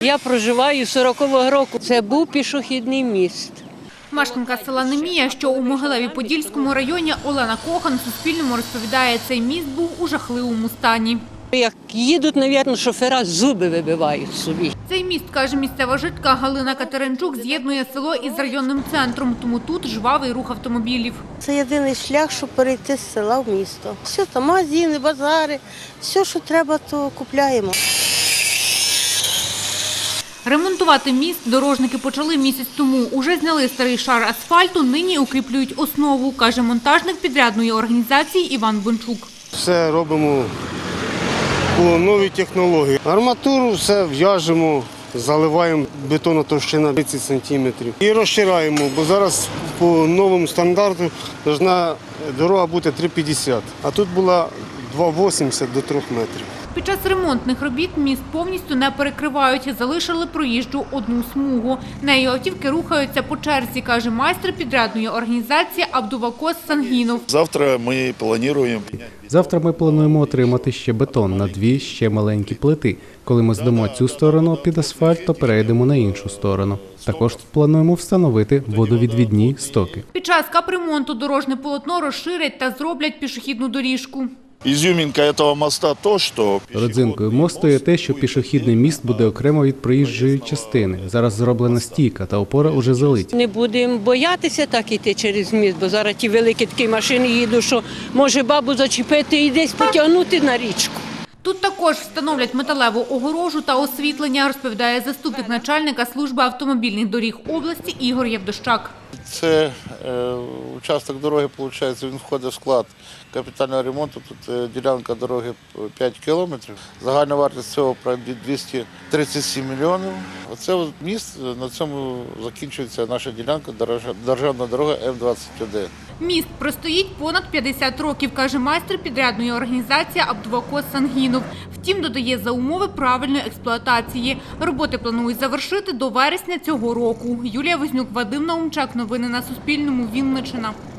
Я проживаю 40-го року. Це був пішохідний міст. Мешканка села Немія, що у Могилеві-Подільському районі, Олена Кохан Суспільному розповідає, цей міст був у жахливому стані. Як їдуть, мабуть, шофера зуби вибивають собі. Цей міст, каже місцева жителька Галина Катеринчук, з'єднує село із районним центром, тому тут жвавий рух автомобілів. Це єдиний шлях, щоб перейти з села в місто. Все там магазини, базари, все, що треба, то купляємо. Ремонтувати міст дорожники почали місяць тому. Уже зняли старий шар асфальту, нині укріплюють основу, каже монтажник підрядної організації Іван Бончук. Все робимо по новій технології. Арматуру все в'яжемо, заливаємо, бетонна товщина 30 сантиметрів. І розшираємо, бо зараз по новому стандарту повинна дорога бути 3,50, а тут була 2,80 до 3 метрів. Під час ремонтних робіт міст повністю не перекривають, залишили проїжджу одну смугу. Нею автівки рухаються по черзі, каже майстер підрядної організації Абдувакос Сангінов. Завтра ми плануємо отримати ще бетон на 2 ще маленькі плити. Коли ми здамо цю сторону під асфальт, то перейдемо на іншу сторону. Також плануємо встановити водовідвідні стоки. Під час капремонту дорожне полотно розширять та зроблять пішохідну доріжку. Изюминка этого моста то, что... Родзинкою мосту є те, що пішохідний міст буде окремо від проїжджої частини. Зараз зроблена стійка та опора уже залиті. Не будемо боятися так іти через міст, бо зараз ті великі такі машини їдуть, що може бабу зачепити і десь потягнути на річку. Тут також встановлять металеву огорожу та освітлення, розповідає заступник начальника служби автомобільних доріг області Ігор Євдощак. Це участок дороги, виходить, він входить в склад капітального ремонту. Тут ділянка дороги 5 кілометрів. Загальна вартість цього 237 мільйонів. Оце міст, на цьому закінчується наша ділянка, державна дорога М-21. Міст простоїть понад 50 років, каже майстер підрядної організації Абдувакос Сангінов. Втім, додає, за умови правильної експлуатації. Роботи планують завершити до вересня цього року. Юлія Вознюк, Вадим Наумчак. Новини на Суспільному. Вінниччина.